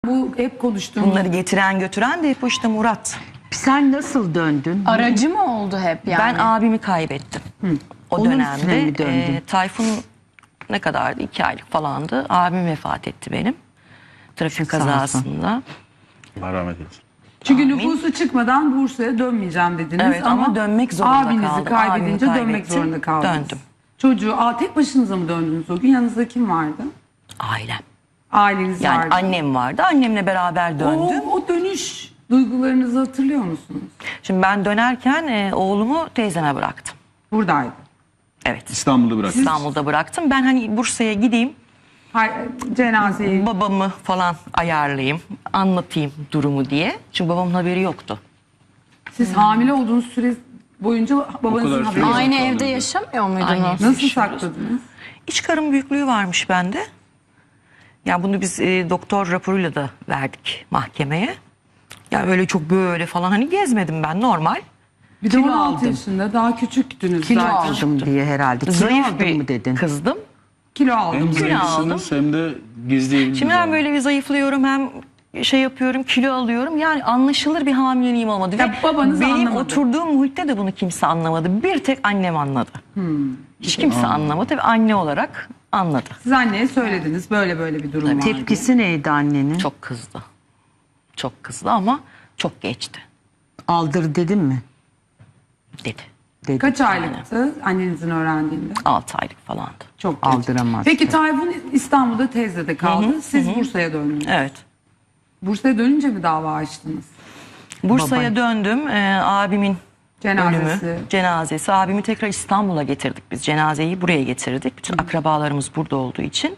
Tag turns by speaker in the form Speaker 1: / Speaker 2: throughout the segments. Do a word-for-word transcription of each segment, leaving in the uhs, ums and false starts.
Speaker 1: Bu hep konuştuğumuz.
Speaker 2: Bunları getiren götüren de hep o işte Murat.
Speaker 3: Sen nasıl döndün?
Speaker 4: Aracı mı oldu hep yani?
Speaker 2: Ben abimi kaybettim. Hı. O
Speaker 3: Onun üstüne
Speaker 2: dönemde
Speaker 3: mi döndün?
Speaker 2: e, Tayfun ne kadardı? İki aylık falandı. Abim vefat etti benim. Trafik
Speaker 3: Sağ olsun.
Speaker 2: kazasında.
Speaker 5: Allah rahmet eylesin.
Speaker 1: Çünkü
Speaker 2: Amin.
Speaker 1: nüfusu çıkmadan Bursa'ya dönmeyeceğim dediniz.
Speaker 2: Evet, ama dönmek zorunda
Speaker 1: abinizi
Speaker 2: kaldım.
Speaker 1: kaybedince
Speaker 2: Abimi
Speaker 1: dönmek
Speaker 2: kaybettim,
Speaker 1: zorunda kaldınız.
Speaker 2: döndüm.
Speaker 1: Çocuğu aa, tek başınıza mı döndünüz o gün? Yanınızda kim vardı?
Speaker 2: Ailem.
Speaker 1: Aileniz
Speaker 2: Yani
Speaker 1: vardı.
Speaker 2: annem vardı. Annemle beraber döndüm.
Speaker 1: O, o dönüş duygularınızı hatırlıyor musunuz?
Speaker 2: Şimdi ben dönerken e, oğlumu teyzeme bıraktım.
Speaker 1: Buradaydı.
Speaker 2: Evet.
Speaker 5: İstanbul'da bıraktın.
Speaker 2: İstanbul'da bıraktım. Ben hani Bursa'ya gideyim,
Speaker 1: Hay, cenazeyi.
Speaker 2: babamı falan ayarlayayım, anlatayım durumu diye. Çünkü babamın haberi yoktu.
Speaker 1: Siz hamile olduğunuz süre boyunca babanızın
Speaker 5: kadar
Speaker 1: haberi
Speaker 5: süre-
Speaker 1: yok.
Speaker 4: Aynı
Speaker 5: Kaldı
Speaker 4: evde
Speaker 5: bir de.
Speaker 4: yaşamıyor muydunuz?
Speaker 2: Aynı evde.
Speaker 1: Nasıl
Speaker 2: yaşıyoruz.
Speaker 1: sakladınız?
Speaker 2: İç karın büyüklüğü varmış bende. Ya bunu biz e, doktor raporuyla da verdik mahkemeye. Ya öyle çok böyle falan hani gezmedim ben, normal.
Speaker 1: Bir de
Speaker 3: Kilo
Speaker 1: on altı
Speaker 3: aldım.
Speaker 1: yaşında daha küçüktünüz
Speaker 3: Kilo
Speaker 1: zaten.
Speaker 3: aldım diye herhalde. Kilo
Speaker 2: Zayıf
Speaker 3: aldım
Speaker 2: bir
Speaker 3: mı dedin?
Speaker 2: kızdım.
Speaker 1: Kilo aldım.
Speaker 5: Hem
Speaker 2: Kilo
Speaker 5: zayıfsınız hem de gizleyebilirsiniz.
Speaker 2: Şimdi hem böyle bir zayıflıyorum hem şey yapıyorum, kilo alıyorum. Yani anlaşılır bir hamileliğim olmadı.
Speaker 1: Ya
Speaker 2: Ve
Speaker 1: babanız
Speaker 2: benim
Speaker 1: anlamadı.
Speaker 2: oturduğum muhitte de bunu kimse anlamadı. Bir tek annem anladı. Hiç kimse anlamadı. Tabii anne olarak anladı.
Speaker 1: Siz anneye söylediniz böyle böyle bir durum var. diye.
Speaker 3: Tepkisi neydi annenin?
Speaker 2: Çok kızdı. Çok kızdı ama çok geçti
Speaker 3: Aldır dedim mi?
Speaker 2: dedi.
Speaker 3: Dedi.
Speaker 1: Kaç aylıktı annenizin öğrendiğinde?
Speaker 2: altı aylık falandı.
Speaker 1: Çok geç.
Speaker 3: Aldıramaz.
Speaker 1: Peki Tayfun İstanbul'da teyzede kaldı. Siz Bursa'ya döndünüz.
Speaker 2: Evet.
Speaker 1: Bursa'ya dönünce mi dava açtınız?
Speaker 2: Bursa'ya
Speaker 3: Baba.
Speaker 2: döndüm. Ee, abimin
Speaker 1: Cenazesi.
Speaker 2: ölümü, cenazesi. Abimi tekrar İstanbul'a getirdik biz. Cenazeyi buraya getirdik. Bütün akrabalarımız burada olduğu için.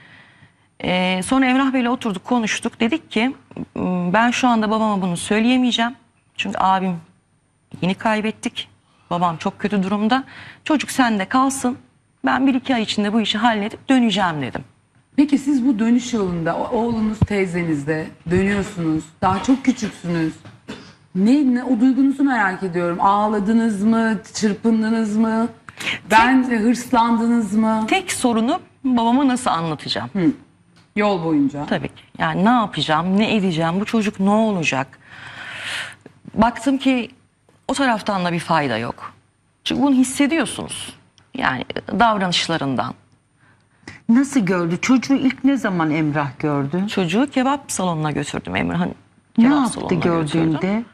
Speaker 2: Ee, sonra Emrah Bey'le oturduk, konuştuk. Dedik ki ben şu anda babama bunu söyleyemeyeceğim. Çünkü abim yeni kaybettik. Babam çok kötü durumda. Çocuk sende kalsın. Ben bir iki ay içinde bu işi halledip döneceğim dedim.
Speaker 1: Peki siz bu dönüş yolunda o- oğlunuz teyzenizde dönüyorsunuz. Daha çok küçüksünüz. Ne, ne o duygunuzu merak ediyorum. Ağladınız mı? Çırpındınız mı? Ben hırslandınız mı?
Speaker 2: Tek sorunu babama nasıl anlatacağım?
Speaker 1: Yol boyunca.
Speaker 2: Tabii ki. Yani ne yapacağım, ne edeceğim, bu çocuk ne olacak? Baktım ki o taraftan da bir fayda yok. Çünkü bunu hissediyorsunuz. Yani davranışlarından.
Speaker 3: Nasıl gördü? Çocuğu ilk ne zaman Emrah gördü?
Speaker 2: Çocuğu kebap salonuna götürdüm, Emrah'ın
Speaker 3: Ne
Speaker 2: kebap
Speaker 3: yaptı
Speaker 2: salonuna
Speaker 3: gördüğünde?
Speaker 2: götürdüm.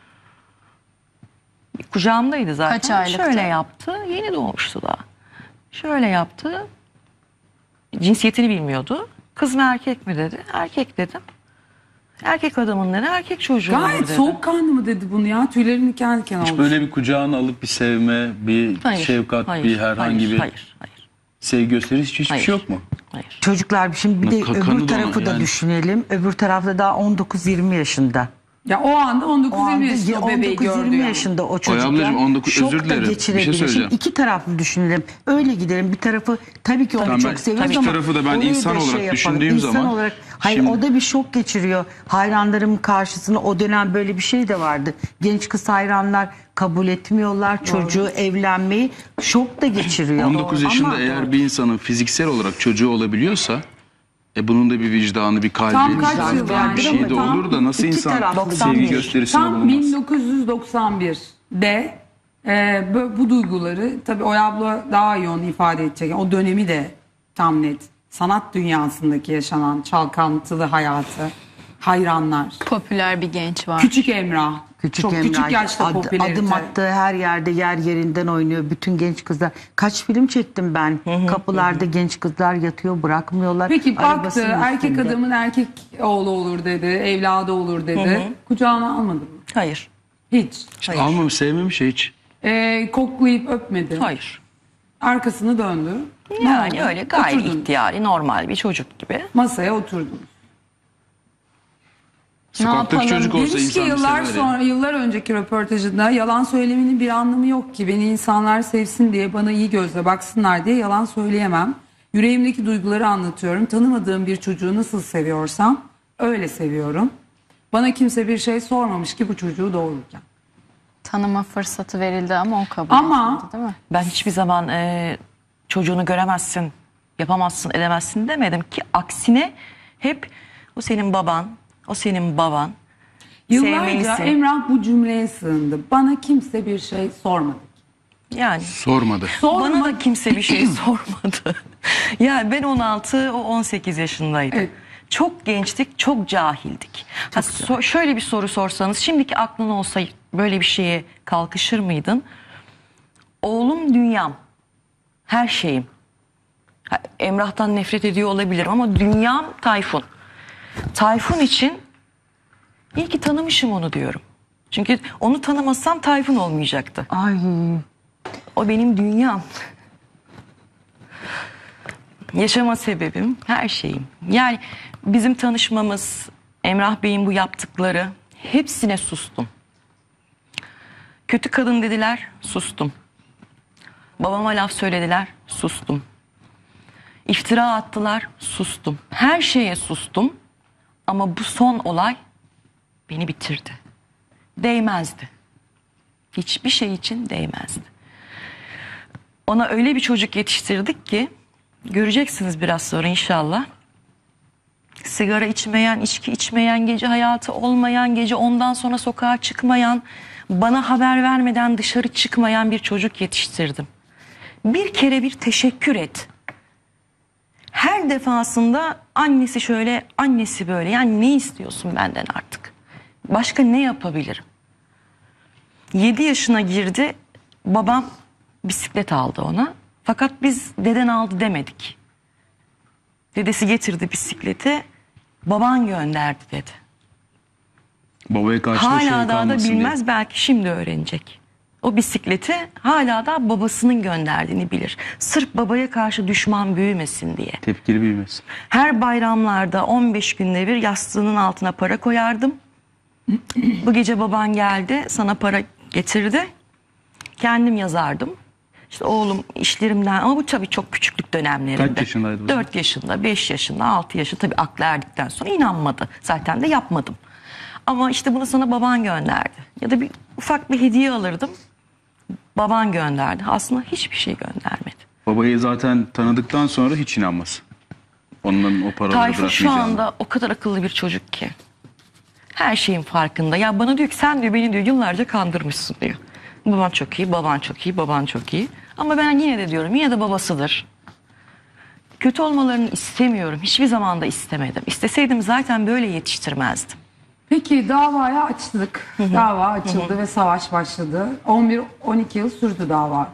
Speaker 2: Kucağımdaydı zaten.
Speaker 4: Kaç aylıktı?
Speaker 2: Şöyle yaptı. Yeni doğmuştu daha. Şöyle yaptı. Cinsiyetini bilmiyordu. Kız mı erkek mi dedi. Erkek dedim. Erkek adamın dedi. Erkek çocuğu olur
Speaker 1: Gayet
Speaker 2: dedi.
Speaker 1: soğukkanlı mı dedi bunu ya? Tüylerim diken diken oldu.
Speaker 5: Hiç böyle bir kucağına alıp bir sevme, bir
Speaker 2: Hayır,
Speaker 5: şefkat,
Speaker 2: hayır,
Speaker 5: bir herhangi
Speaker 2: hayır,
Speaker 5: bir
Speaker 2: Hayır, hayır,
Speaker 5: sevgi gösterisi hiçbir
Speaker 2: hayır.
Speaker 5: şey yok mu?
Speaker 2: Hayır.
Speaker 3: Çocuklar şimdi bir de
Speaker 5: Ka- kanı
Speaker 3: öbür
Speaker 5: da ona
Speaker 3: tarafı da
Speaker 5: yani.
Speaker 3: düşünelim. Öbür tarafta daha on dokuz yirmi yaşında.
Speaker 1: Ya o anda on
Speaker 3: O
Speaker 1: dokuz
Speaker 3: anda
Speaker 1: yirmi yaşında o bebeği
Speaker 3: on dokuz
Speaker 1: gördü
Speaker 3: yirmi
Speaker 1: yani.
Speaker 3: yaşında o çocuk.
Speaker 5: ablacığım,
Speaker 3: yani
Speaker 5: on dokuz
Speaker 3: şok
Speaker 5: özür
Speaker 3: da
Speaker 5: dilerim. Bir şey
Speaker 3: geçirebilir.
Speaker 5: söyleyeceğim.
Speaker 3: Şimdi iki taraflı düşünelim. Öyle gidelim. Bir tarafı tabii ki onu
Speaker 5: Tamam, ben-
Speaker 3: çok seviyoruz
Speaker 5: iki
Speaker 3: ama
Speaker 5: tarafı da ben
Speaker 3: orayı
Speaker 5: insan
Speaker 3: da
Speaker 5: olarak
Speaker 3: yapalım.
Speaker 5: düşündüğüm
Speaker 3: İnsan
Speaker 5: zaman-
Speaker 3: olarak, hayır
Speaker 5: Şimdi-
Speaker 3: o da bir şok geçiriyor. Hayranlarım karşısında o dönem böyle bir şey de vardı. Genç kız hayranlar kabul etmiyorlar çocuğu evlenmeyi. Şok da geçiriyor.
Speaker 5: on dokuz yaşında
Speaker 3: Ama-
Speaker 5: eğer bir insanın fiziksel olarak çocuğu olabiliyorsa e bunun da bir vicdanı, bir kalbi,
Speaker 1: Tam kaç
Speaker 5: vicdanı,
Speaker 1: yıl
Speaker 5: bir
Speaker 1: yani?
Speaker 5: şey de
Speaker 1: Tam
Speaker 5: olur da nasıl
Speaker 3: iki
Speaker 5: insan
Speaker 3: taraflı
Speaker 5: sevgi
Speaker 3: doksan bir.
Speaker 5: gösterisinde
Speaker 1: Tam
Speaker 5: bulunmaz?
Speaker 1: bin dokuz yüz doksan birde e, bu, bu duyguları tabii Oya abla daha iyi onu ifade edecek. O dönemi de tam net. Sanat dünyasındaki yaşanan çalkantılı hayatı, hayranlar.
Speaker 4: Popüler bir genç var.
Speaker 1: Küçük Emrah.
Speaker 3: Küçük
Speaker 1: Çok
Speaker 3: Emrah,
Speaker 1: küçük yaşta
Speaker 3: ad-
Speaker 1: popülerite.
Speaker 3: adım attığı her yerde yer yerinden oynuyor. Bütün genç kızlar. Kaç film çektim ben. Kapılarda genç kızlar yatıyor, bırakmıyorlar.
Speaker 1: Peki baktı
Speaker 3: Arabasının
Speaker 1: erkek
Speaker 3: üstünde.
Speaker 1: adamın erkek oğlu olur dedi, evladı olur dedi. Kucağına almadı mı?
Speaker 2: Hayır.
Speaker 1: Hiç.
Speaker 5: İşte
Speaker 2: Hayır.
Speaker 5: almamış, sevmemiş ya hiç.
Speaker 1: E, koklayıp öpmedi.
Speaker 2: Hayır.
Speaker 1: Arkasını döndü. Ne
Speaker 2: Yani
Speaker 1: oldu?
Speaker 2: öyle gayet
Speaker 1: Oturdunuz.
Speaker 2: ihtiyari, normal bir çocuk gibi.
Speaker 1: Masaya oturdunuz.
Speaker 5: Sokaktaki
Speaker 4: yapalım?
Speaker 5: çocuk olsa
Speaker 1: Demiş ki
Speaker 5: insan
Speaker 1: yıllar
Speaker 5: sever
Speaker 1: sonra,
Speaker 5: ya.
Speaker 1: yıllar önceki röportajında yalan söylemenin bir anlamı yok ki. Beni insanlar sevsin diye, bana iyi gözle baksınlar diye yalan söyleyemem. Yüreğimdeki duyguları anlatıyorum. Tanımadığım bir çocuğu nasıl seviyorsam öyle seviyorum. Bana kimse bir şey sormamış ki bu çocuğu doğururken.
Speaker 4: Tanıma fırsatı verildi ama o kabul
Speaker 1: Ama-
Speaker 4: etmedi değil mi?
Speaker 2: Ben hiçbir zaman e, çocuğunu göremezsin, yapamazsın, edemezsin demedim ki aksine hep o senin baban, O senin baban.
Speaker 1: Yıllarca
Speaker 2: Sevmelisin.
Speaker 1: Emrah bu cümleye sığındı. Bana kimse bir şey sormadı.
Speaker 2: Yani
Speaker 5: Sormadı.
Speaker 1: Sorma.
Speaker 2: bana da kimse bir şey sormadı. Yani ben on altı, o on sekiz yaşındaydım.
Speaker 1: Evet.
Speaker 2: Çok gençtik, çok cahildik. Ha, so- şöyle bir soru sorsanız, şimdiki aklın olsa böyle bir şeye kalkışır mıydın? Oğlum dünyam, her şeyim. Ha, Emrah'tan nefret ediyor olabilirim ama dünyam Tayfun. Tayfun için iyi ki tanımışım onu diyorum. Çünkü onu tanımasam Tayfun olmayacaktı.
Speaker 3: Ay.
Speaker 2: O benim dünyam. Yaşama sebebim, her şeyim. Yani bizim tanışmamız, Emrah Bey'in bu yaptıkları, hepsine sustum. Kötü kadın dediler, sustum. Babama laf söylediler, sustum. İftira attılar, sustum. Her şeye sustum. Ama bu son olay beni bitirdi. Değmezdi. Hiçbir şey için değmezdi. Ona öyle bir çocuk yetiştirdik ki, göreceksiniz biraz sonra inşallah. Sigara içmeyen, içki içmeyen, gece hayatı olmayan, gece ondan sonra sokağa çıkmayan, bana haber vermeden dışarı çıkmayan bir çocuk yetiştirdim. Bir kere bir teşekkür et. Her defasında annesi şöyle, annesi böyle. Yani ne istiyorsun benden artık? Başka ne yapabilirim? yedi yaşına girdi, babam bisiklet aldı ona. Fakat biz deden aldı demedik. Dedesi getirdi bisikleti, baban gönderdi dedi.
Speaker 5: Babaya karşı da şey
Speaker 2: Hala daha da
Speaker 5: kalmasın diye.
Speaker 2: bilmez, belki şimdi öğrenecek. O bisikleti hala da babasının gönderdiğini bilir. Sırf babaya karşı düşman büyümesin diye.
Speaker 5: Tepkili büyümesin.
Speaker 2: Her bayramlarda on beş günde bir yastığının altına para koyardım. Bu gece baban geldi, sana para getirdi. Kendim yazardım. İşte oğlum işlerimden, ama bu tabii çok küçüklük dönemlerinde.
Speaker 5: Kaç yaşındaydı bu zaman?
Speaker 2: dört yaşında, beş yaşında, altı yaşında, tabii aklı erdikten sonra inanmadı. Zaten de yapmadım. Ama işte bunu sana baban gönderdi. Ya da bir ufak bir hediye alırdım. Baban gönderdi. Aslında hiçbir şey göndermedi.
Speaker 5: Babayı zaten tanıdıktan sonra hiç inanmaz. Onların o paraları
Speaker 2: Tayfun şu
Speaker 5: bırakmayacağını.
Speaker 2: anda o kadar akıllı bir çocuk ki. Her şeyin farkında. Ya bana diyor ki sen diyor beni diyor yıllarca kandırmışsın diyor. Baban çok iyi, baban çok iyi, baban çok iyi. Ama ben yine de diyorum yine de babasıdır. Kötü olmalarını istemiyorum. Hiçbir zaman da istemedim. İsteseydim zaten böyle yetiştirmezdim.
Speaker 1: Peki davaya açtık. Dava açıldı ve savaş başladı. on bir on iki yıl sürdü dava.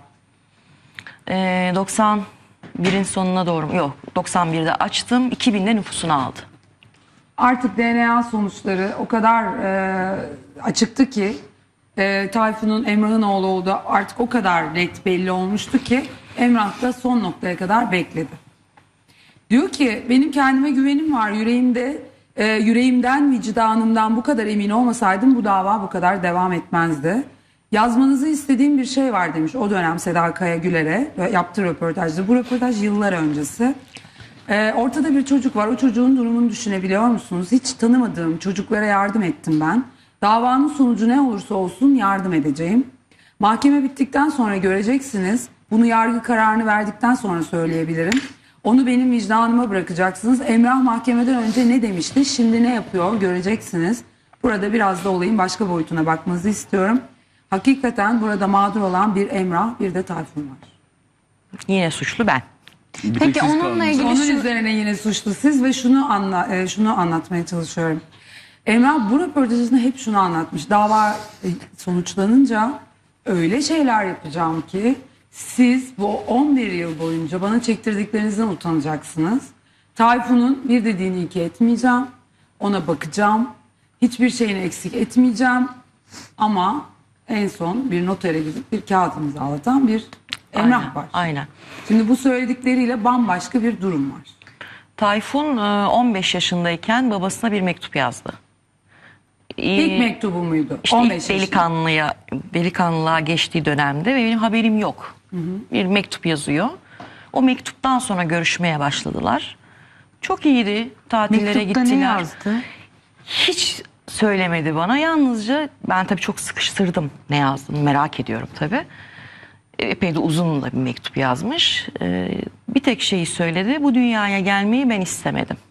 Speaker 2: Ee, doksan birin sonuna doğru, yok doksan birde açtım, iki binde nüfusunu aldı.
Speaker 1: Artık D N A sonuçları o kadar e, açıktı ki e, Tayfun'un Emrah'ın oğlu olduğu artık o kadar net belli olmuştu ki Emrah da son noktaya kadar bekledi. Diyor ki benim kendime güvenim var, yüreğimde e, yüreğimden, vicdanımdan bu kadar emin olmasaydım bu dava bu kadar devam etmezdi. Yazmanızı istediğim bir şey var demiş o dönem Seda Kaya Güler'e yaptığı röportajda. Bu röportaj yıllar öncesi. Ee, ortada bir çocuk var. O çocuğun durumunu düşünebiliyor musunuz? Hiç tanımadığım çocuklara yardım ettim ben. Davanın sonucu ne olursa olsun yardım edeceğim. Mahkeme bittikten sonra göreceksiniz. Bunu yargı kararını verdikten sonra söyleyebilirim. Onu benim vicdanıma bırakacaksınız. Emrah mahkemeden önce ne demişti? Şimdi ne yapıyor? Göreceksiniz. Burada biraz da olayın başka boyutuna bakmanızı istiyorum. Hakikaten burada mağdur olan bir Emrah, bir de Tayfun var.
Speaker 2: Yine suçlu ben.
Speaker 5: Bir tek
Speaker 4: Peki
Speaker 5: siz
Speaker 4: onunla
Speaker 5: kaldınız.
Speaker 4: ilgili
Speaker 1: Onun
Speaker 4: şu-
Speaker 1: üzerine yine suçlu siz ve şunu anla, e, şunu anlatmaya çalışıyorum. Emrah bu röportajında hep şunu anlatmış. Dava e, sonuçlanınca öyle şeyler yapacağım ki siz bu on bir yıl boyunca bana çektirdiklerinizden utanacaksınız. Tayfun'un bir dediğini iki etmeyeceğim. Ona bakacağım. Hiçbir şeyini eksik etmeyeceğim. Ama en son bir notere gidip bir kağıt imzalatan bir Emrah
Speaker 2: Aynen,
Speaker 1: var.
Speaker 2: aynen.
Speaker 1: Şimdi bu söyledikleriyle bambaşka bir durum var.
Speaker 2: Tayfun e, on beş yaşındayken babasına bir mektup yazdı.
Speaker 1: İlk
Speaker 2: Ee,
Speaker 1: mektubu muydu?
Speaker 2: İşte
Speaker 1: on
Speaker 2: ilk
Speaker 1: beş yaşında.
Speaker 2: delikanlıya, delikanlılığa geçtiği dönemde ve benim haberim yok. Bir mektup yazıyor. O mektuptan sonra görüşmeye başladılar. Çok iyiydi. Tatillere
Speaker 3: Mektupta
Speaker 2: gittiler.
Speaker 3: ne yazdı?
Speaker 2: Hiç söylemedi bana. Yalnızca ben tabii çok sıkıştırdım ne yazdığını, merak ediyorum tabii. Epey de uzun da bir mektup yazmış. Ee, bir tek şeyi söyledi. Bu dünyaya gelmeyi ben istemedim.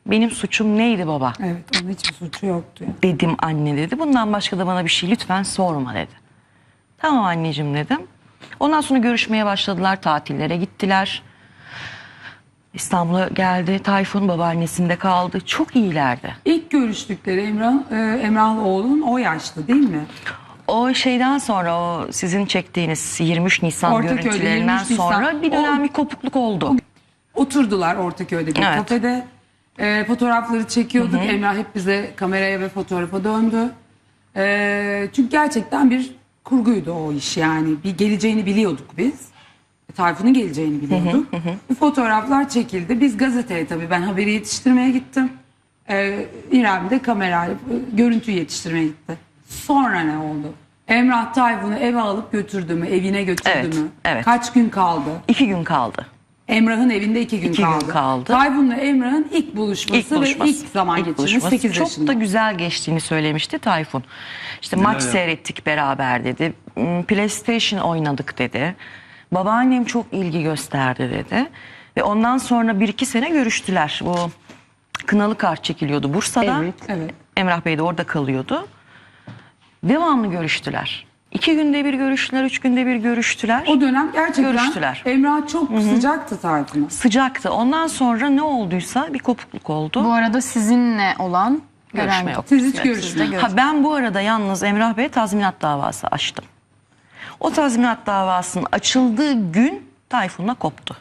Speaker 2: Benim suçum neydi baba?
Speaker 1: Evet, onun hiçbir suçu yoktu. Yani.
Speaker 2: Dedim anne dedi. Bundan başka da bana bir şey lütfen sorma dedi. Tamam anneciğim dedim. Ondan sonra görüşmeye başladılar. Tatillere gittiler. İstanbul'a geldi. Tayfun babaannesinde kaldı. Çok iyilerdi.
Speaker 1: İlk görüştükleri Emrah, e, Emrah oğlun o yaşta değil mi?
Speaker 2: O şeyden sonra o sizin çektiğiniz yirmi üç Nisan
Speaker 1: Ortaköy'de
Speaker 2: görüntülerinden
Speaker 1: yirmi üç Nisan.
Speaker 2: sonra bir dönem
Speaker 1: O-
Speaker 2: bir kopukluk oldu.
Speaker 1: Oturdular Ortaköy'de bir
Speaker 2: Evet.
Speaker 1: kafede. E, fotoğrafları çekiyorduk. Emrah hep bize kameraya ve fotoğrafa döndü. E, çünkü gerçekten bir kurguydu o iş yani. Bir geleceğini biliyorduk biz. E, Tayfun'un geleceğini biliyorduk. Bu fotoğraflar çekildi. Biz gazeteye tabii ben haberi yetiştirmeye gittim. E, İrem de kamerayla e, görüntüyü yetiştirmeye gitti. Sonra ne oldu? Emrah Tayfun'u eve alıp götürdü mü? Evine götürdü
Speaker 2: Evet,
Speaker 1: mü?
Speaker 2: evet.
Speaker 1: Kaç gün kaldı?
Speaker 2: İki gün kaldı.
Speaker 1: Emrah'ın evinde iki gün
Speaker 2: İki gün
Speaker 1: kaldı.
Speaker 2: kaldı.
Speaker 1: Tayfun'la Emrah'ın ilk buluşması,
Speaker 2: İlk buluşması.
Speaker 1: ve ilk zaman
Speaker 2: İlk
Speaker 1: geçirmesi
Speaker 2: buluşması.
Speaker 1: sekiz
Speaker 2: Çok
Speaker 1: yaşında.
Speaker 2: da güzel geçtiğini söylemişti Tayfun. İşte maç
Speaker 5: ya?
Speaker 2: seyrettik beraber dedi. Hmm, PlayStation oynadık dedi. Babaannem çok ilgi gösterdi dedi. Ve ondan sonra bir iki sene görüştüler. Bu kınalı kart çekiliyordu Bursa'da.
Speaker 3: Evet.
Speaker 1: Evet.
Speaker 2: Emrah Bey de orada kalıyordu. Devamlı görüştüler. İki günde bir görüştüler, üç günde bir görüştüler.
Speaker 1: O dönem gerçekten
Speaker 2: Görüştüler.
Speaker 1: Emrah çok sıcaktı Tayfun'a.
Speaker 2: Sıcaktı. Ondan sonra ne olduysa bir kopukluk oldu.
Speaker 4: Bu arada sizinle olan
Speaker 2: Görüşme
Speaker 4: gören
Speaker 2: yok.
Speaker 1: Siz hiç
Speaker 4: Sizde
Speaker 1: görüşmediniz.
Speaker 4: görüş-
Speaker 2: Ha, ben bu arada yalnız Emrah Bey'e tazminat davası açtım. O tazminat davasının açıldığı gün Tayfun'la koptu.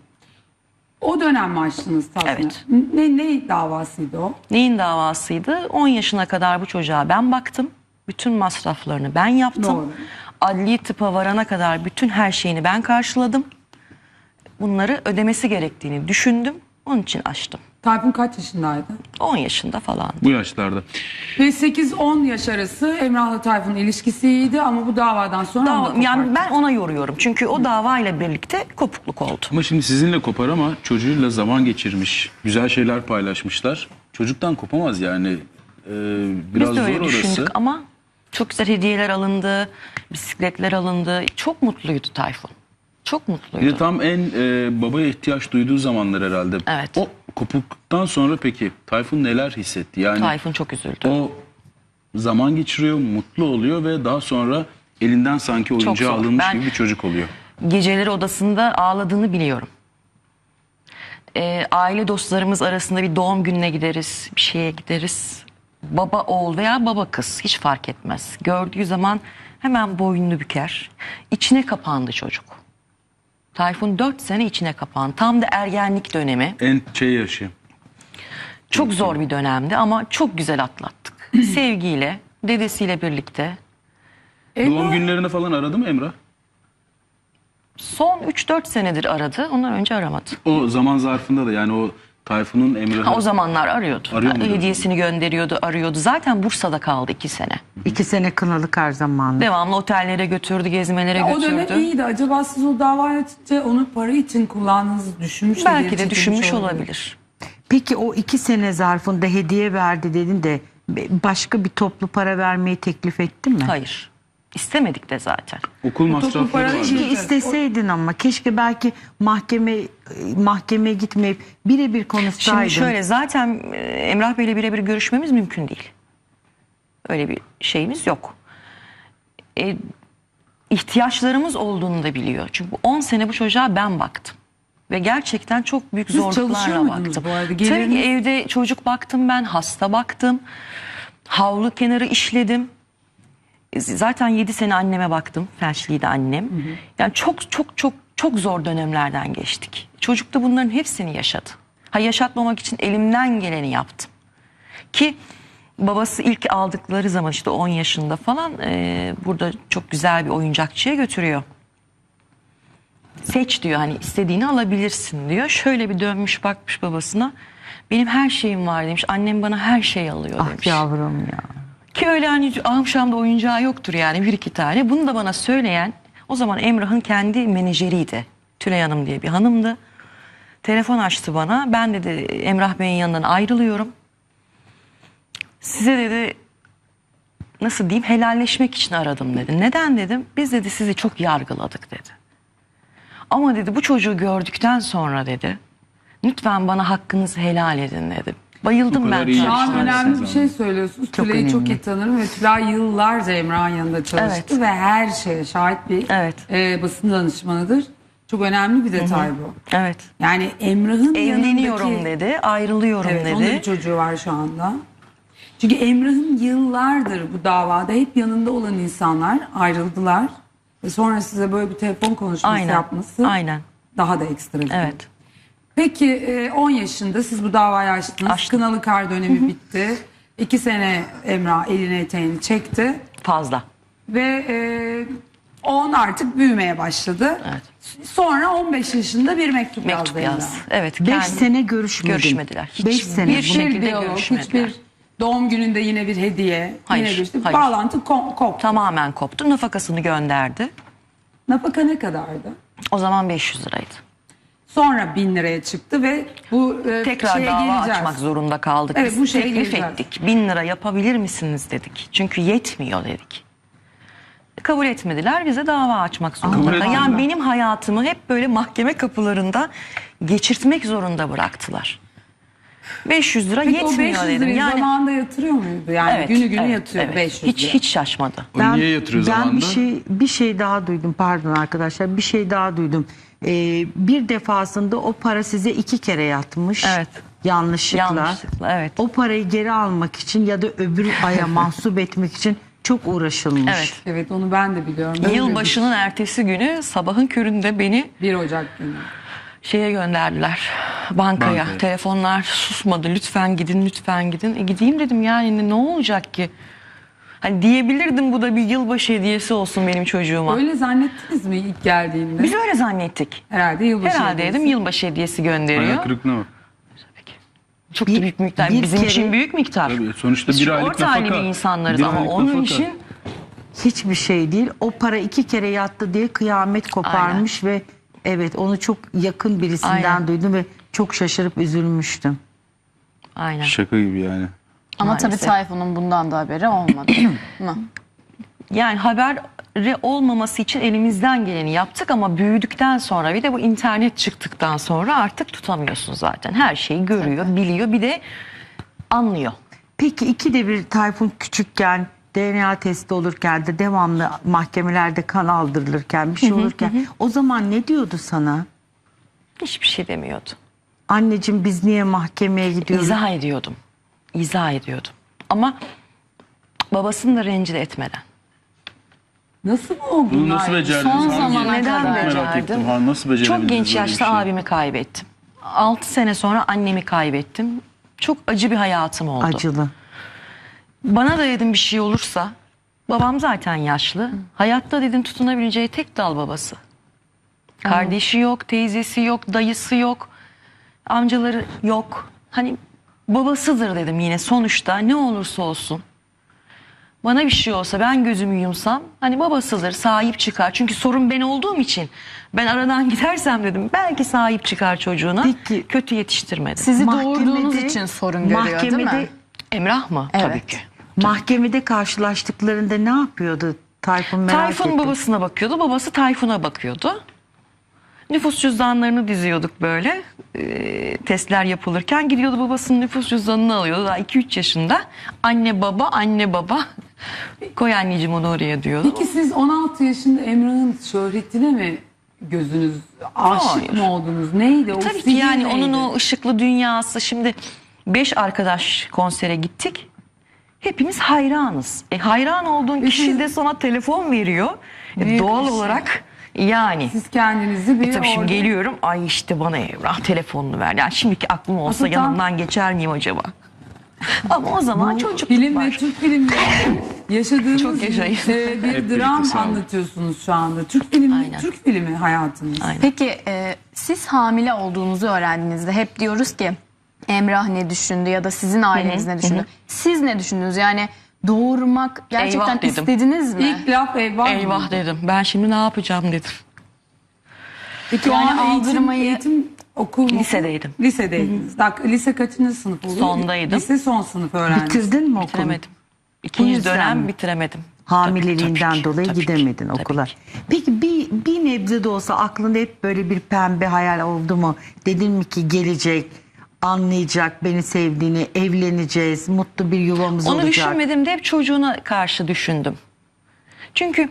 Speaker 1: O dönem mi açtınız Tayfun'a?
Speaker 2: Evet.
Speaker 1: Ne, ne davasıydı o?
Speaker 2: Neyin davasıydı? on yaşına kadar bu çocuğa ben baktım. Bütün masraflarını ben yaptım.
Speaker 1: Doğru.
Speaker 2: Adli tıpa varana kadar bütün her şeyini ben karşıladım. Bunları ödemesi gerektiğini düşündüm. Onun için açtım.
Speaker 1: Tayfun kaç yaşındaydı?
Speaker 2: on yaşında falan.
Speaker 5: Bu yaşlarda.
Speaker 1: Ve sekiz on yaş arası Emrah'la Tayfun'un ilişkisi iyiydi ama bu davadan sonra
Speaker 2: Dava-
Speaker 1: onu da
Speaker 2: yani
Speaker 1: koparttı.
Speaker 2: ben ona yoruyorum. Çünkü o davayla birlikte kopukluk oldu.
Speaker 5: Ama şimdi sizinle kopar ama çocuğuyla zaman geçirmiş. Güzel şeyler paylaşmışlar. Çocuktan kopamaz yani. Ee, biraz
Speaker 2: Biz de öyle
Speaker 5: zor orası.
Speaker 2: düşündük ama çok güzel hediyeler alındı, bisikletler alındı. Çok mutluydu Tayfun. Çok
Speaker 5: Bir
Speaker 2: mutluydu.
Speaker 5: de tam en e, babaya ihtiyaç duyduğu zamanlar herhalde.
Speaker 2: Evet.
Speaker 5: O kopukluktan sonra peki Tayfun neler hissetti? Yani
Speaker 2: Tayfun çok üzüldü.
Speaker 5: o zaman geçiriyor, mutlu oluyor ve daha sonra elinden sanki oyuncağı
Speaker 2: zor.
Speaker 5: alınmış
Speaker 2: Ben-
Speaker 5: gibi bir çocuk oluyor.
Speaker 2: Geceleri odasında ağladığını biliyorum. Ee, aile dostlarımız arasında bir doğum gününe gideriz, bir şeye gideriz. Baba oğul veya baba kız hiç fark etmez. Gördüğü zaman hemen boynunu büker. İçine kapandı çocuk. Tayfun dört sene içine kapandı. Tam da ergenlik dönemi.
Speaker 5: En şey yaşı.
Speaker 2: Çok zor bir dönemdi ama çok güzel atlattık. Sevgiyle, dedesiyle birlikte.
Speaker 5: Doğum günlerine falan aradı mı Emrah?
Speaker 2: Son üç dört senedir aradı. Ondan önce aramadı.
Speaker 5: O zaman zarfında da yani o Tayfun'un Emrah'ı...
Speaker 2: Ha, o zamanlar arıyordu.
Speaker 5: Arıyor muydu?
Speaker 2: Hediyesini gönderiyordu, arıyordu. Zaten Bursa'da kaldı iki sene.
Speaker 3: İki sene kınalı kar zamanı.
Speaker 2: Devamlı otellere götürdü, gezmelere
Speaker 1: Ya o dönem
Speaker 2: götürdü.
Speaker 1: iyiydi. Acaba siz o dava açınca onu para için kullandığınızı düşünmüş de
Speaker 2: Belki
Speaker 1: geri
Speaker 2: de
Speaker 1: çekilmiş
Speaker 2: düşünmüş olabilir.
Speaker 3: Peki o iki sene zarfında hediye verdi dedin de başka bir toplu para vermeyi teklif etti mi?
Speaker 2: Hayır. İstemedik de zaten.
Speaker 5: Okul masrafları
Speaker 1: para
Speaker 5: vardı.
Speaker 1: için-
Speaker 3: Keşke isteseydin ama keşke belki mahkeme mahkemeye gitmeyip birebir konuşsaydın.
Speaker 2: Şimdi şöyle zaten e, Emrah Bey'le birebir görüşmemiz mümkün değil. Öyle bir şeyimiz yok. E, ihtiyaçlarımız olduğunu da biliyor. Çünkü on sene bu çocuğa ben baktım. Ve gerçekten çok büyük
Speaker 1: Siz çalışıyor
Speaker 2: zorluklarla
Speaker 1: muydunuz
Speaker 2: baktım.
Speaker 1: bu arada?
Speaker 2: Tabii
Speaker 1: Geliriniz-
Speaker 2: ki evde çocuk baktım ben, hasta baktım. Havlu kenarı işledim. E, Zaten yedi sene anneme baktım. Felçliydi annem. Yani çok çok çok çok zor dönemlerden geçtik. Çocuk da bunların hepsini yaşadı. Ha, yaşatmamak için elimden geleni yaptım. Ki babası ilk aldıkları zaman işte on yaşında falan e, burada çok güzel bir oyuncakçıya götürüyor. Seç diyor, hani istediğini alabilirsin diyor. Şöyle bir dönmüş bakmış babasına. Benim her şeyim var demiş. Annem bana her şey alıyor
Speaker 3: Ah
Speaker 2: demiş.
Speaker 3: yavrum ya.
Speaker 2: Ki öyle hani akşamda oyuncağı yoktur yani, bir iki tane. Bunu da bana söyleyen o zaman Emrah'ın kendi menajeriydi. Tülay Hanım diye bir hanımdı. Telefon açtı bana. Ben dedi Emrah Bey'in yanından ayrılıyorum. Size dedi nasıl diyeyim helalleşmek için aradım dedi. Neden dedim. Biz dedi sizi çok yargıladık dedi. Ama dedi bu çocuğu gördükten sonra dedi lütfen bana hakkınızı helal edin dedi. Bayıldım
Speaker 5: O kadar
Speaker 2: ben.
Speaker 5: iyi
Speaker 1: Şu an
Speaker 5: yetiştirdiniz
Speaker 1: önemli bir
Speaker 5: siz
Speaker 1: şey
Speaker 5: ama.
Speaker 1: söylüyorsunuz.
Speaker 3: Çok
Speaker 1: Tülay'ı çok
Speaker 3: önemli.
Speaker 1: iyi tanırım ve Tülay yıllarca Emrah'ın yanında çalıştı
Speaker 2: Evet.
Speaker 1: ve her şeye şahit bir
Speaker 2: Evet.
Speaker 1: e, basın danışmanıdır. Çok önemli bir detay bu.
Speaker 2: Evet.
Speaker 1: Yani Emrah'ın
Speaker 2: Evleniyorum
Speaker 1: yanındaki...
Speaker 2: dedi, ayrılıyorum
Speaker 1: Evet,
Speaker 2: dedi.
Speaker 1: onun da bir çocuğu var şu anda. Çünkü Emrah'ın yıllardır bu davada hep yanında olan insanlar ayrıldılar. Ve sonra size böyle bir telefon konuşması
Speaker 2: Aynen.
Speaker 1: yapması
Speaker 2: Aynen.
Speaker 1: daha da ekstra bir şey.
Speaker 2: Evet.
Speaker 1: Peki e, on yaşında siz bu davayı açtınız.
Speaker 2: Açtım.
Speaker 1: Kınalı kar dönemi bitti. İki sene Emrah elini eteğini çekti.
Speaker 2: Fazla.
Speaker 1: Ve e, on artık büyümeye başladı.
Speaker 2: Evet.
Speaker 1: Sonra on beş yaşında bir mektup,
Speaker 2: Mektup
Speaker 1: yazdı
Speaker 2: yaz.
Speaker 1: Emrah.
Speaker 2: Evet.
Speaker 3: Beş
Speaker 2: kendi-
Speaker 3: sene görüşmedin.
Speaker 2: Görüşmediler. Hiç
Speaker 3: Beş sene.
Speaker 2: bir
Speaker 3: Bu-
Speaker 2: şey- şekilde
Speaker 1: diyalog,
Speaker 2: görüşmediler.
Speaker 1: hiçbir doğum gününde yine bir hediye,
Speaker 2: Hayır,
Speaker 1: yine bir işte
Speaker 2: hayır.
Speaker 1: bağlantı ko- koptu.
Speaker 2: Tamamen koptu. Nafakasını gönderdi.
Speaker 1: Nafaka ne kadardı?
Speaker 2: O zaman beş yüz liraydı.
Speaker 1: Sonra bin liraya çıktı ve bu e,
Speaker 2: Tekrar
Speaker 1: şeye
Speaker 2: dava
Speaker 1: geleceğiz.
Speaker 2: açmak zorunda kaldık.
Speaker 1: Evet,
Speaker 2: Biz
Speaker 1: bu şeye
Speaker 2: teklif
Speaker 1: geleceğiz.
Speaker 2: ettik. Bin lira yapabilir misiniz dedik. Çünkü yetmiyor dedik. Kabul etmediler. Bize dava açmak
Speaker 5: Kabul
Speaker 2: zorunda.
Speaker 5: etmediler.
Speaker 2: Yani benim hayatımı hep böyle mahkeme kapılarında geçirtmek zorunda bıraktılar. beş yüz lira
Speaker 1: Peki o beş
Speaker 2: yetmiyor
Speaker 1: yüz
Speaker 2: dedim.
Speaker 1: lirayı
Speaker 2: Yani
Speaker 1: zamanında yatırıyor muydu? Yani
Speaker 2: evet,
Speaker 1: günü günü
Speaker 2: evet,
Speaker 1: yatıyor
Speaker 2: evet.
Speaker 1: beş yüz
Speaker 2: Hiç
Speaker 1: lira.
Speaker 2: hiç şaşmadı.
Speaker 5: O niye yatırıyor
Speaker 3: ben
Speaker 5: zamanında?
Speaker 3: bir şey bir şey daha duydum, pardon arkadaşlar, bir şey daha duydum. Ee, bir defasında o para size iki kere yatmış.
Speaker 2: Evet.
Speaker 3: Yanlışlıkla.
Speaker 2: Yanlışlıkla, evet.
Speaker 3: O parayı geri almak için ya da öbür aya mahsup etmek için çok uğraşılmış.
Speaker 2: Evet.
Speaker 1: Evet, onu ben de biliyorum. Böyle
Speaker 2: Yılbaşının ertesi günü sabahın köründe beni
Speaker 1: bir, bir Ocak günü.
Speaker 2: şeye gönderdiler, bankaya.
Speaker 5: Bankaya.
Speaker 2: Telefonlar susmadı. Lütfen gidin, lütfen gidin. E gideyim dedim, yani ne olacak ki? Hani diyebilirdim, bu da bir yılbaşı hediyesi olsun benim çocuğuma.
Speaker 1: Öyle zannettiniz mi ilk geldiğinde?
Speaker 2: Biz öyle zannettik.
Speaker 1: Herhalde yılbaşı
Speaker 2: Herhalde
Speaker 1: hediyesi.
Speaker 2: dedim yılbaşı hediyesi
Speaker 5: Hayal
Speaker 2: gönderiyor.
Speaker 5: kırıklığına bak.
Speaker 2: Çok
Speaker 3: Bir-
Speaker 2: da büyük miktar.
Speaker 3: bir
Speaker 2: Bizim
Speaker 3: kere-
Speaker 2: için büyük miktar.
Speaker 5: Tabii, sonuçta
Speaker 2: Biz
Speaker 5: bir
Speaker 2: çok
Speaker 5: aylık
Speaker 2: orta halli
Speaker 5: nafaka.
Speaker 2: bir insanlarız
Speaker 5: Bir
Speaker 2: ama
Speaker 5: aylık
Speaker 2: onun
Speaker 5: nafaka.
Speaker 2: için
Speaker 3: Hiçbir şey değil. O para iki kere yattı diye kıyamet koparmış ve evet, onu çok yakın birisinden
Speaker 2: Aynen.
Speaker 3: duydum ve çok şaşırıp üzülmüştüm.
Speaker 2: aynen.
Speaker 5: Şaka gibi yani.
Speaker 4: Ama
Speaker 2: Maalesef.
Speaker 4: tabii Tayfun'un bundan da haberi olmadı. mı?
Speaker 2: Yani haberi olmaması için elimizden geleni yaptık ama büyüdükten sonra, bir de bu internet çıktıktan sonra artık tutamıyorsun zaten. Her şeyi görüyor, biliyor, bir de anlıyor.
Speaker 3: Peki ikide bir Tayfun küçükken D N A testi olurken de devamlı mahkemelerde kan aldırılırken bir şey olurken o zaman ne diyordu sana?
Speaker 2: Hiçbir şey demiyordu.
Speaker 3: Anneciğim biz niye mahkemeye gidiyoruz?
Speaker 2: İzah ediyordum. İzah ediyordum. Ama babasını da rencide etmeden.
Speaker 1: Nasıl bu
Speaker 5: Bunu
Speaker 1: bunlar?
Speaker 5: nasıl becerdiniz?
Speaker 4: Son
Speaker 5: Hangi-
Speaker 4: zamana
Speaker 2: Neden
Speaker 4: kadar.
Speaker 5: Merak
Speaker 2: becerdim?
Speaker 5: ettim. Ha, nasıl becerebildiniz
Speaker 2: Çok genç
Speaker 5: böyle bir
Speaker 2: yaşta
Speaker 5: şey?
Speaker 2: abimi kaybettim. altı sene sonra annemi kaybettim. Çok acı bir hayatım oldu.
Speaker 3: Acılı.
Speaker 2: Bana da dedim bir şey olursa, babam zaten yaşlı. Hayatta dedim tutunabileceği tek dal babası. Kardeşi yok, teyzesi yok, dayısı yok, amcaları yok. Hani babasıdır dedim yine sonuçta, ne olursa olsun. Bana bir şey olsa, ben gözümü yumsam, hani babasıdır, sahip çıkar. Çünkü sorun ben olduğum için ben aradan gidersem dedim belki sahip çıkar çocuğuna.
Speaker 3: Peki.
Speaker 2: Kötü yetiştirmedi.
Speaker 4: Sizi
Speaker 3: Mahkemede-
Speaker 4: doğurduğunuz için sorun görüyor değil mi?
Speaker 3: mahkemede-
Speaker 2: Emrah mı?
Speaker 4: Evet.
Speaker 2: Tabii ki.
Speaker 3: Mahkemede karşılaştıklarında ne yapıyordu Tayfun, merak
Speaker 2: Tayfun
Speaker 3: ettim.
Speaker 2: babasına bakıyordu, babası Tayfun'a bakıyordu. Nüfus cüzdanlarını diziyorduk böyle. Ee, testler yapılırken gidiyordu babasının nüfus cüzdanını alıyordu. Daha iki üç yaşında. Anne baba, anne baba. Koy anneciğim onu oraya diyordu.
Speaker 1: Peki siz on altı yaşında Emrah'ın şöhretine mi gözünüz aşık
Speaker 2: Hayır.
Speaker 1: mı oldunuz? Neydi o?
Speaker 2: Tabii ki
Speaker 1: sihir
Speaker 2: yani
Speaker 1: neydi?
Speaker 2: onun o ışıklı dünyası. Şimdi beş arkadaş konsere gittik. Hepimiz hayranız. E, hayran olduğun kişi de sana telefon veriyor. E,
Speaker 1: Büyük
Speaker 2: doğal
Speaker 1: bir şey.
Speaker 2: olarak yani.
Speaker 1: Siz kendinizi bir
Speaker 2: E tabii şimdi
Speaker 1: orada-
Speaker 2: geliyorum. Ay işte bana Emrah telefonunu ver. Yani şimdiki aklım olsa
Speaker 1: Aslında tam-
Speaker 2: yanından geçer miyim acaba? Ama o zaman çocukluk
Speaker 1: Film
Speaker 2: var.
Speaker 1: ve Türk filmlerinde yaşadığınız
Speaker 2: Çok yaşayın.
Speaker 1: e, bir
Speaker 5: Hep
Speaker 1: dram
Speaker 5: birlikte, sağ olun.
Speaker 1: anlatıyorsunuz şu anda. Türk filmi,
Speaker 2: Aynen.
Speaker 1: Türk filmi hayatınız.
Speaker 2: Aynen.
Speaker 4: Peki e, siz hamile olduğunuzu öğrendiğinizde hep diyoruz ki Emrah ne düşündü ya da sizin aileniz ne düşündü? Siz ne düşündünüz? Yani doğurmak gerçekten
Speaker 2: Eyvah dedim.
Speaker 4: istediniz mi?
Speaker 1: İlk laf eyvah.
Speaker 2: Eyvah
Speaker 1: mı?
Speaker 2: dedim. Ben şimdi ne yapacağım dedim.
Speaker 1: Peki o
Speaker 4: Yani
Speaker 1: an eğitim,
Speaker 4: aldırmayı-
Speaker 1: eğitim okul mu?
Speaker 2: Lisedeydim.
Speaker 1: Lisedeydiniz. Dak- lise kaçıncı sınıf oluyor?
Speaker 2: Sondaydım.
Speaker 1: Lise son sınıf öğrencisi.
Speaker 3: Bitirdin mi okulu?
Speaker 2: Bitiremedim. İkinci
Speaker 3: yüzden
Speaker 2: dönem
Speaker 3: mi?
Speaker 2: bitiremedim.
Speaker 3: Hamileliğinden
Speaker 2: Tabii ki,
Speaker 3: dolayı
Speaker 2: tabii ki,
Speaker 3: gidemedin
Speaker 2: tabii
Speaker 3: okula.
Speaker 2: ki.
Speaker 3: Peki bir, bir nebze de olsa aklında hep böyle bir pembe hayal oldu mu? Dedin mi ki gelecek, anlayacak beni sevdiğini, evleneceğiz, mutlu bir yuvamız
Speaker 2: Onu
Speaker 3: olacak.
Speaker 2: düşünmedim de hep çocuğuna karşı düşündüm. Çünkü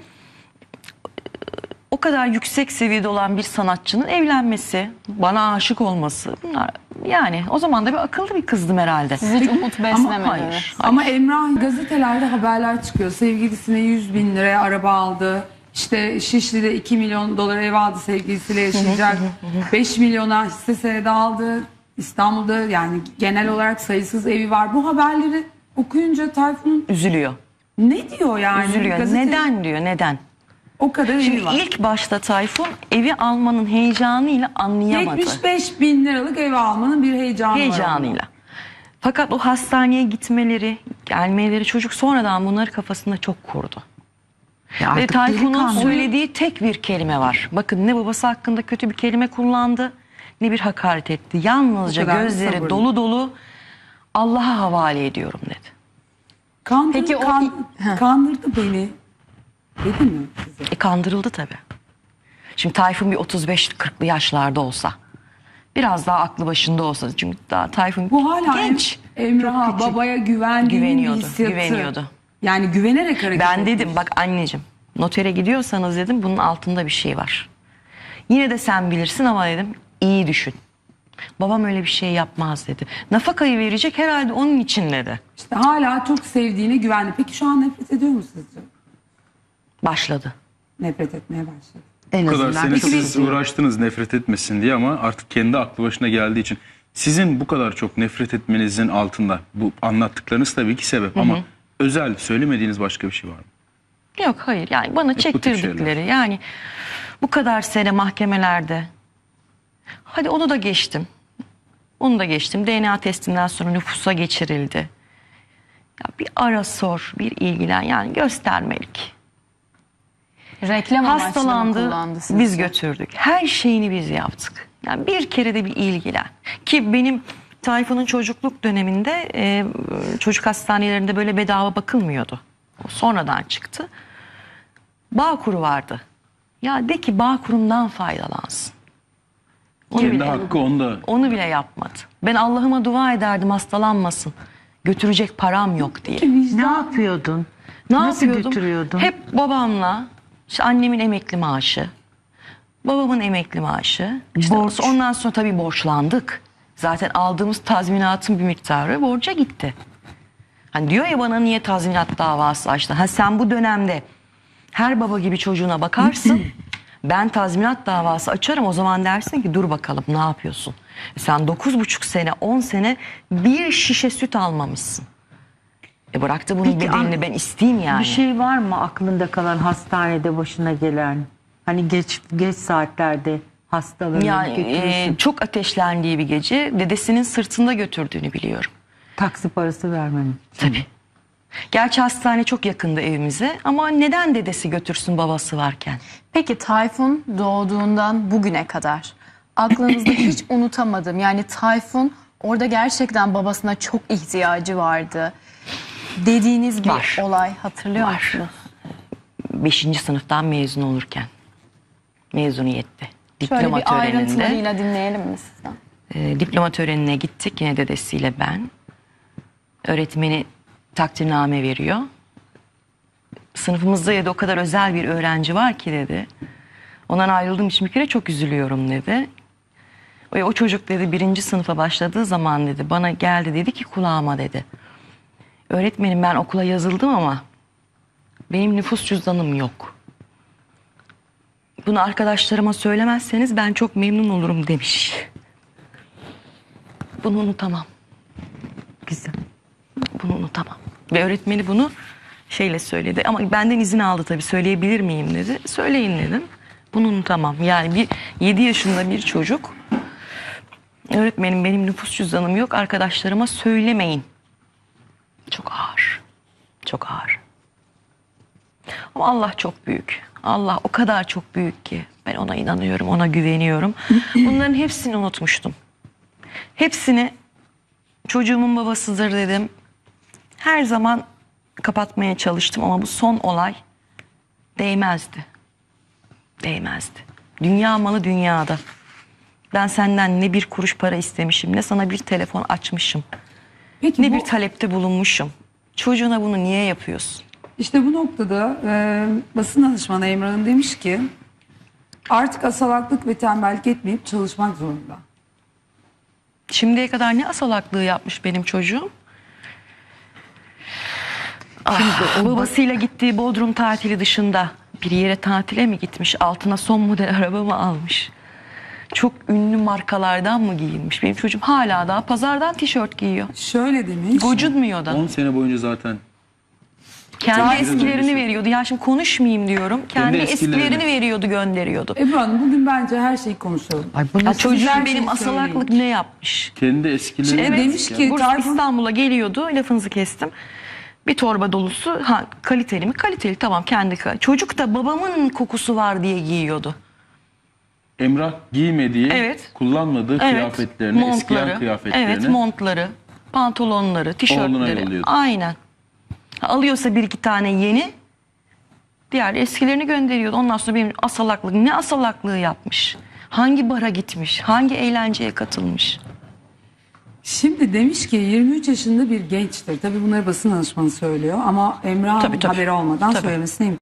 Speaker 2: o kadar yüksek seviyede olan bir sanatçının evlenmesi, bana aşık olması, bunlar yani o zaman da bir akıllı bir kızdım herhalde.
Speaker 4: Siz hiç umut beslemediniz.
Speaker 2: hayır.
Speaker 1: Ama Emrah gazetelerde haberler çıkıyor. Sevgilisine yüz bin liraya araba aldı. İşte Şişli'de iki milyon dolar ev aldı, sevgilisiyle yaşayacak. beş milyona hisse senedi aldı. İstanbul'da yani genel olarak sayısız evi var. Bu haberleri okuyunca Tayfun
Speaker 2: Üzülüyor.
Speaker 1: ne diyor yani?
Speaker 2: Üzülüyor.
Speaker 1: Gazete-
Speaker 2: Neden diyor, neden?
Speaker 1: O kadar evi
Speaker 2: Şimdi
Speaker 1: var.
Speaker 2: ilk başta Tayfun evi almanın heyecanıyla anlayamadı.
Speaker 1: yetmiş beş bin liralık ev almanın bir heyecanı var.
Speaker 2: Heyecanıyla. Fakat o hastaneye gitmeleri, gelmeleri, çocuk sonradan bunları kafasında çok kurdu.
Speaker 3: Ya
Speaker 2: Ve
Speaker 3: artık
Speaker 2: Tayfun'un
Speaker 3: delikanlı.
Speaker 2: söylediği tek bir kelime var. Bakın ne babası hakkında kötü bir kelime kullandı, ne bir hakaret etti. Yalnızca
Speaker 1: O kadar
Speaker 2: gözleri
Speaker 1: sabırlı.
Speaker 2: dolu dolu Allah'a havale ediyorum dedi.
Speaker 1: Kandır,
Speaker 4: Peki o-
Speaker 1: kan- kandırdı beni. Dedi mi size?
Speaker 2: E kandırıldı tabii. Şimdi Tayfun bir otuz beş kırklı yaşlarda olsa, biraz daha aklı başında olsa, çünkü daha Tayfun
Speaker 1: Bu hala
Speaker 2: genç.
Speaker 1: Em- Emrah'a babaya güvendiğinin
Speaker 2: Güveniyordu,
Speaker 1: hissiyatı.
Speaker 2: güveniyordu.
Speaker 1: Yani güvenerek hareket
Speaker 2: Ben
Speaker 1: etmiş.
Speaker 2: dedim bak anneciğim, notere gidiyorsanız dedim bunun altında bir şey var. Yine de sen bilirsin ama dedim iyi düşün. Babam öyle bir şey yapmaz dedi. Nafakayı verecek herhalde onun için dedi.
Speaker 1: İşte hala çok sevdiğine güvendi. Peki şu an nefret ediyor mu sizce?
Speaker 2: Başladı.
Speaker 1: Nefret etmeye başladı.
Speaker 3: En
Speaker 5: Bu kadar
Speaker 3: azından
Speaker 5: sene
Speaker 3: çok
Speaker 5: siz
Speaker 3: üzüyor.
Speaker 5: uğraştınız nefret etmesin diye ama artık kendi aklı başına geldiği için sizin bu kadar çok nefret etmenizin altında bu anlattıklarınız tabii ki sebep ama özel söylemediğiniz başka bir şey var mı?
Speaker 2: Yok hayır yani bana
Speaker 5: bu tip
Speaker 2: çektirdikleri
Speaker 5: şeyler.
Speaker 2: yani bu kadar sene mahkemelerde. Hadi onu da geçtim. Onu da geçtim. D N A testinden sonra nüfusa geçirildi. Ya bir ara sor, bir ilgilen yani göstermelik.
Speaker 4: Reklam amaçlı mı
Speaker 2: Hastalandı,
Speaker 4: kullandı sizce?
Speaker 2: biz götürdük. Her şeyini biz yaptık. Yani bir kere de bir ilgilen. Ki benim Tayfun'un çocukluk döneminde e, çocuk hastanelerinde böyle bedava bakılmıyordu. O sonradan çıktı. Bağkuru vardı. Ya de ki Bağkur'undan faydalansın. Onu
Speaker 5: Kendi
Speaker 2: bile,
Speaker 5: hakkı onda.
Speaker 2: onu bile yapmadı. Ben Allah'ıma dua ederdim hastalanmasın. Götürecek param yok diye.
Speaker 3: Ne yapıyordun?
Speaker 2: Ne
Speaker 3: Nasıl
Speaker 2: yapıyordum?
Speaker 3: götürüyordun?
Speaker 2: Hep babamla, işte annemin emekli maaşı, babamın emekli maaşı. İşte
Speaker 3: Borç.
Speaker 2: ondan sonra tabii borçlandık. Zaten aldığımız tazminatın bir miktarı borca gitti. Hani diyor ya bana niye tazminat davası açtın? Ha sen bu dönemde her baba gibi çocuğuna bakarsın. Ben tazminat davası açarım o zaman dersin ki dur bakalım ne yapıyorsun? Sen dokuz buçuk sene on sene bir şişe süt almamışsın. E bıraktı bunun
Speaker 3: Peki,
Speaker 2: bedelini
Speaker 3: an-
Speaker 2: ben isteyeyim yani.
Speaker 3: Bir şey var mı aklında kalan hastanede başına gelen? Hani geç geç saatlerde hastalarını
Speaker 2: Yani
Speaker 3: götürürsün.
Speaker 2: e, çok ateşlendiği bir gece dedesinin sırtında götürdüğünü biliyorum.
Speaker 3: Taksi parası vermenin.
Speaker 2: Tabii. Gerçi hastane çok yakındı evimize ama neden dedesi götürsün babası varken?
Speaker 4: Peki Tayfun doğduğundan bugüne kadar aklınızda hiç unutamadım. Yani Tayfun orada gerçekten babasına çok ihtiyacı vardı dediğiniz bir
Speaker 2: Var.
Speaker 4: olay hatırlıyor
Speaker 2: Var.
Speaker 4: musunuz?
Speaker 2: Beşinci sınıftan mezun olurken. Mezuniyette.
Speaker 4: Şöyle
Speaker 2: Diploma
Speaker 4: bir
Speaker 2: töreninde.
Speaker 4: ayrıntılarıyla dinleyelim mi sizden?
Speaker 2: E, diploma törenine gittik yine dedesiyle ben. Öğretmeni takdirname veriyor. Sınıfımızda dedi o kadar özel bir öğrenci var ki dedi. Ondan ayrıldığım için bir kere çok üzülüyorum dedi. O, o çocuk dedi birinci sınıfa başladığı zaman dedi bana geldi dedi ki kulağıma dedi. Öğretmenim ben okula yazıldım ama benim nüfus cüzdanım yok. Bunu arkadaşlarıma söylemezseniz ben çok memnun olurum demiş. Bunu unutamam.
Speaker 3: Güzel.
Speaker 2: Bunu unutamam. Ve öğretmeni bunu şeyle söyledi. Ama benden izin aldı tabii. Söyleyebilir miyim dedi. Söyleyin dedim. Bunu unutamam. Yani bir yedi yaşında bir çocuk. Öğretmenim benim nüfus cüzdanım yok. Arkadaşlarıma söylemeyin. Çok ağır. Çok ağır. Ama Allah çok büyük. Allah o kadar çok büyük ki. Ben ona inanıyorum, ona güveniyorum. Bunların hepsini unutmuştum. Hepsini çocuğumun babasıdır dedim. Her zaman kapatmaya çalıştım ama bu son olay değmezdi. Değmezdi. Dünya malı dünyada. Ben senden ne bir kuruş para istemişim, ne sana bir telefon açmışım,
Speaker 1: Peki
Speaker 2: ne
Speaker 1: bu,
Speaker 2: bir talepte bulunmuşum. Çocuğuna bunu niye yapıyorsun?
Speaker 1: işte bu noktada e, basın danışmanı Emrah'ın demiş ki artık asalaklık ve tembellik etmeyip çalışmak zorunda.
Speaker 2: Şimdiye kadar ne asalaklığı yapmış benim çocuğum? Ah, babasıyla gittiği Bodrum tatili dışında bir yere tatile mi gitmiş? Altına son model araba mı almış? Çok ünlü markalardan mı giyinmiş? Benim çocuğum hala daha pazardan tişört giyiyor.
Speaker 1: Şöyle demiş.
Speaker 2: Gocunmuyor da.
Speaker 5: on sene boyunca zaten
Speaker 2: Kendi
Speaker 5: Zaten
Speaker 2: eskilerini
Speaker 5: öylesi.
Speaker 2: veriyordu. Ya şimdi konuşmayayım diyorum. Kendi,
Speaker 5: Kendi eskilerini.
Speaker 2: eskilerini veriyordu, gönderiyordu.
Speaker 1: Ebru Hanım bugün bence her şeyi konuşalım.
Speaker 3: Ay bu
Speaker 2: Ya
Speaker 3: nasıl
Speaker 2: çocuğum
Speaker 1: her
Speaker 2: benim
Speaker 1: şeyi
Speaker 2: asalaklık
Speaker 1: söyleyin.
Speaker 2: ne yapmış?
Speaker 5: kendi eskileri.
Speaker 1: Şimdi
Speaker 2: Evet,
Speaker 1: demiş ki
Speaker 2: Bursa
Speaker 1: Tayfun-
Speaker 2: İstanbul'a geliyordu. Lafınızı kestim. Bir torba dolusu, ha kaliteli mi? Kaliteli, tamam, kendi. Çocuk da babamın kokusu var diye giyiyordu.
Speaker 5: Emrah giymediği,
Speaker 2: Evet.
Speaker 5: kullanmadığı
Speaker 2: Evet.
Speaker 5: kıyafetlerini, eskiyen kıyafetlerini.
Speaker 2: Evet, montları, pantolonları,
Speaker 5: Oğluna
Speaker 2: tişörtleri.
Speaker 5: yolluyordu.
Speaker 2: Aynen. Alıyorsa bir iki tane yeni, diğer eskilerini gönderiyordu. Ondan sonra benim asalaklık, ne asalaklığı yapmış? Hangi bara gitmiş? Hangi eğlenceye katılmış?
Speaker 1: Şimdi demiş ki yirmi üç yaşında bir gençtir. Tabii bunları basın danışmanı söylüyor ama Emrah'ın
Speaker 2: Tabii, tabii.
Speaker 1: haberi olmadan
Speaker 2: Tabii.
Speaker 1: söylemesine imkan